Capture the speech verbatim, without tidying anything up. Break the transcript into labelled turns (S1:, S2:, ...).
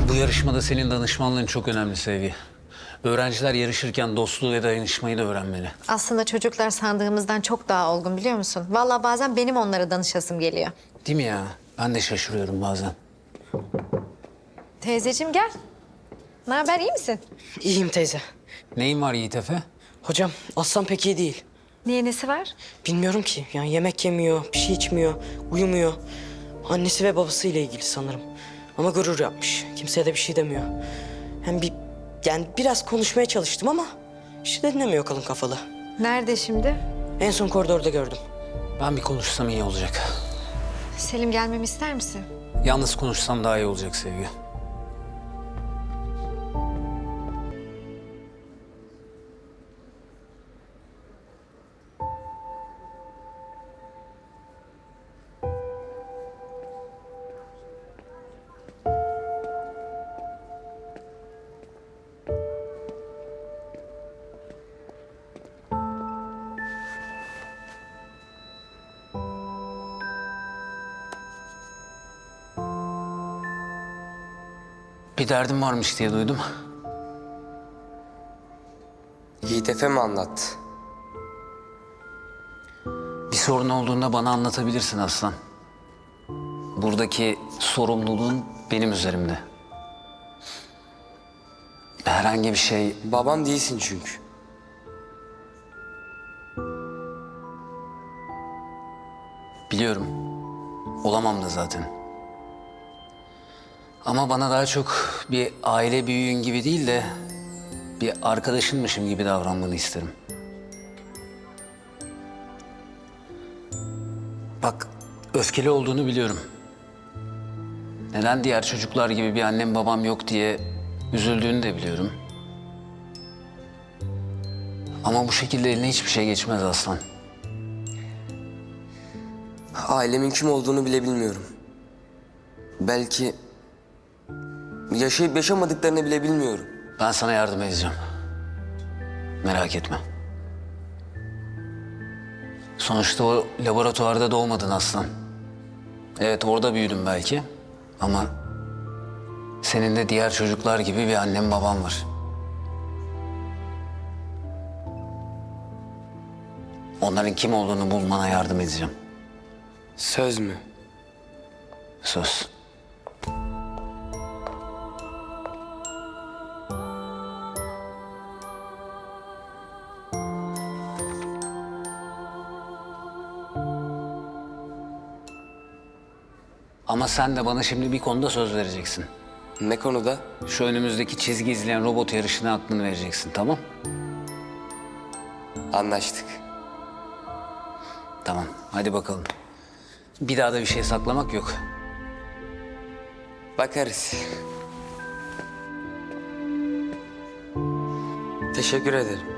S1: Bu yarışmada senin danışmanlığın çok önemli Sevgi. Öğrenciler yarışırken dostluğu ve dayanışmayı da öğrenmeli.
S2: Aslında çocuklar sandığımızdan çok daha olgun biliyor musun? Vallahi bazen benim onlara danışasım geliyor.
S1: Değil mi ya? Ben de şaşırıyorum bazen.
S2: Teyzeciğim gel. Ne haber, iyi misin?
S3: İyiyim teyze.
S1: Neyin var Yiğit Efe?
S3: Hocam Aslan pek iyi değil.
S2: Niye, nesi var?
S3: Bilmiyorum ki. Yani yemek yemiyor, bir şey içmiyor, uyumuyor. Annesi ve babasıyla ilgili sanırım. Ama gurur yapmış. Kimseye de bir şey demiyor. Hem bir yani biraz konuşmaya çalıştım ama işte dinlemiyor kalın kafalı.
S2: Nerede şimdi?
S3: En son koridorda gördüm.
S1: Ben bir konuşsam iyi olacak.
S2: Selim, gelmemi ister misin?
S1: Yalnız konuşsam daha iyi olacak Sevgi. Bir derdim varmış diye duydum.
S4: Yiğit Efe mi anlattı?
S1: Bir sorun olduğunda bana anlatabilirsin Aslan. Buradaki sorumluluğun benim üzerimde. Herhangi bir şey...
S4: Babam değilsin çünkü.
S1: Biliyorum. Olamam da zaten. Ama bana daha çok bir aile büyüğün gibi değil de... bir arkadaşınmışım gibi davranmanı isterim. Bak, öfkeli olduğunu biliyorum. Neden diğer çocuklar gibi bir annem babam yok diye üzüldüğünü de biliyorum. Ama bu şekilde eline hiçbir şey geçmez Aslan.
S4: Ailemin kim olduğunu bile bilmiyorum. Belki yaşayıp yaşamadıklarını bile bilmiyorum.
S1: Ben sana yardım edeceğim. Merak etme. Sonuçta o laboratuvarda doğmadın Aslan. Evet, orada büyüdüm belki. Ama senin de diğer çocuklar gibi bir annem babam var. Onların kim olduğunu bulmana yardım edeceğim.
S4: Söz mü?
S1: Söz. Ama sen de bana şimdi bir konuda söz vereceksin.
S4: Ne konuda?
S1: Şu önümüzdeki çizgi izleyen robot yarışına aklını vereceksin, tamam?
S4: Anlaştık.
S1: Tamam, hadi bakalım. Bir daha da bir şey saklamak yok.
S4: Bakarız. Teşekkür ederim.